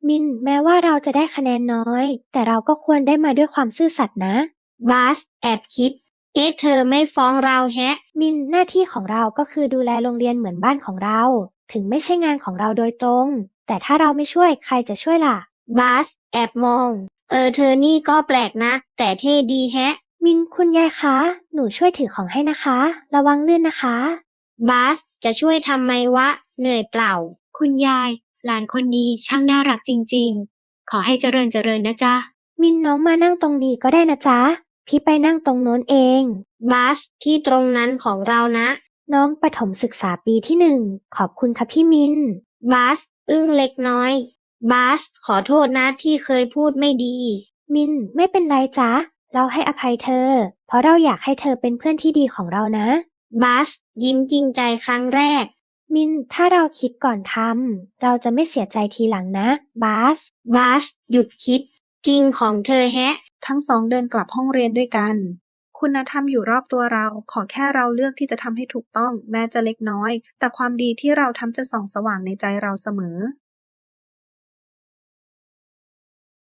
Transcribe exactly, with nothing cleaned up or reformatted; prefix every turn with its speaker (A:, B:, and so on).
A: มินแม้ว่าเราจะได้คะแนนน้อยแต่เราก็ควรได้มาด้วยความซื่อสัตย์นะ
B: บาสแอบคิดเอ๊ะเธอไม่ฟ้องเราแฮะ
A: มินหน้าที่ของเราก็คือดูแลโรงเรียนเหมือนบ้านของเราถึงไม่ใช่งานของเราโดยตรงแต่ถ้าเราไม่ช่วยใครจะช่วยล่ะ
B: บาสแอบมองเออเธอนี่ก็แปลกนะแต่เท่ดีแฮะ
A: มินคุณยายคะหนูช่วยถือของให้นะคะระวังลื่นนะคะ
B: บาสจะช่วยทำไมวะเหนื่อยเปล่า
C: คุณยายหลานคนนี้ช่างน่ารักจริงๆขอให้เจริญเจริญนะจ๊ะ
A: มินน้องมานั่งตรงนี้ก็ได้นะจ๊ะพี่ไปนั่งตรงโน้นเอง
B: บาสที่ตรงนั้นของเรานะ
A: น้องประถมศึกษาปีที่หนึ่งขอบคุณค่ะพี่มิน
B: บาสอึ้งเล็กน้อยบาสขอโทษนะที่เคยพูดไม่ดี
A: มินไม่เป็นไรจ๊ะเราให้อภัยเธอเพราะเราอยากให้เธอเป็นเพื่อนที่ดีของเรานะ
B: บาสยิ้มจริงใจครั้งแรก
A: มินถ้าเราคิดก่อนทำเราจะไม่เสียใจทีหลังนะบาส
B: บาสหยุดคิดจริงของเธอแฮะ
D: ทั้งสองเดินกลับห้องเรียนด้วยกัน คุณธรรมอยู่รอบตัวเรา ขอแค่เราเลือกที่จะทำให้ถูกต้องแม้จะเล็กน้อย แต่ความดีที่เราทำจะส่องสว่างในใจเราเสมอ